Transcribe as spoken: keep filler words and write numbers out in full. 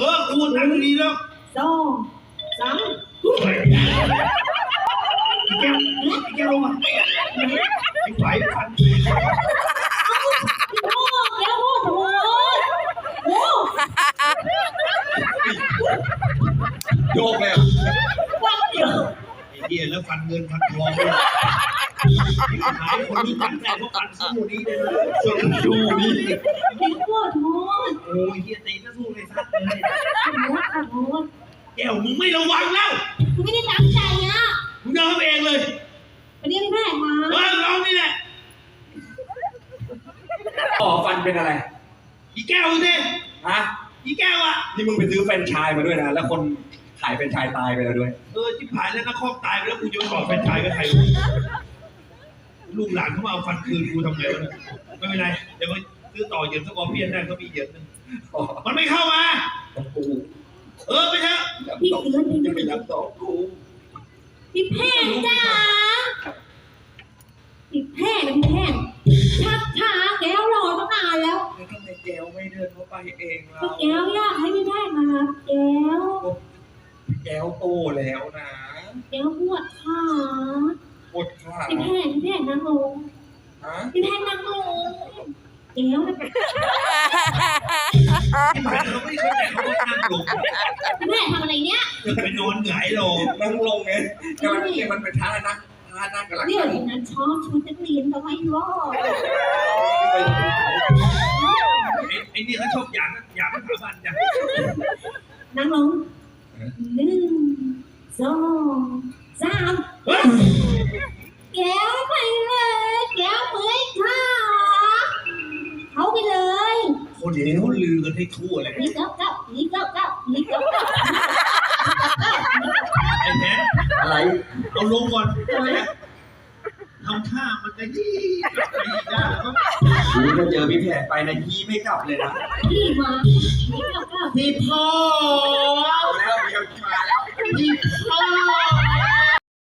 อกูตั้งดีแล้วสองสามไอ้แก้วไอ้แก้วลงมาไอ้ไหวฟันโอ้แก้วโอ้โหโอ้โยกเลยอ่ะฟังเดียวไอ้เหี้ยแล้วฟันเงินฟันทองเลยหายคนรู้จักแต่พวกฟันสู้นี้เลยส่วนสู้นี้พี่ขอโทษโอ้ยเหี้ยตีก็สู้เลยซัดเลยขอโทษแก้วมึงไม่ระวังแล้วกูไม่ได้ตั้งใจอ่ะมึงเดินเองเลยวันนี้พี่แพทย์มาเออเรานี่แหละอ๋อฟันเป็นอะไรอีแก้วสิฮะอีแก้วอ่ะนี่มึงไปซื้อแฟรนไชส์มาด้วยนะแล้วคนขายแฟรนไชส์ตายไปแล้วด้วยเออที่ผ่านแล้วนักครอบตายไปแล้วกูจะไปบอกแฟรนไชส์กับใครลูกหลานเขามาเอาฟันคืนกูทำไงวะไม่เป็นไรเดี๋ยวไปซื้อต่อเหยียบสกอร์เปียนได้เขามีเหยียบนึงมันไม่เข้ามากูเออไปเถอะพี่เกินพี่จะไปรับต่อกูพี่แพทย์จ้าพี่แพทย์นะพี่แพทย์ชักช้าแก้วรอตั้งนานแล้วแล้วทำไมแก้วไม่เดินเข้าไปเองล่ะแก้วอยากให้พี่แพทย์มารับแก้วแก้วโตแล้วนะแก้วปวดขาปวดขาพี่แพทย์พี่แพทย์นั่งลงฮะพี่แพทย์นั่งลงแก้วนะที่ผ่านเราไม่เข้าใจเขาว่านั่งลงพี่แพทย์ทำอะไรเนี้ยจะไปนอนหงายลงนั่งลงไงแต่มันเนี่ยมันเป็นท่านั่งท่านั่งกับหลังเดี๋ยวนั้นชอบชุดนักเรียนทำไมวะไอ้นี่เขาชอบอยากอยากสถาบันจ้ะนั่งลงหนึ่งสองสามแก้วไปเลยแก้วเมื่อยขาเขาไปเลยคนเดี๋ยวนี้เขาลือกันให้ทั่วเลยนี่เก้าเก้านี่เก้าเก้านี่เก้าเก้าไอ้แพทอะไรเอาลงก่อนทำท่ามันจะยี่ไปได้แล้วก็กูจะเจอพี่แพทย์ไปนะยี่ไม่กลับเลยนะพี่มานี่เก้าเก้าพี่พ่อแล้วมีคนมาแล้วพี่พ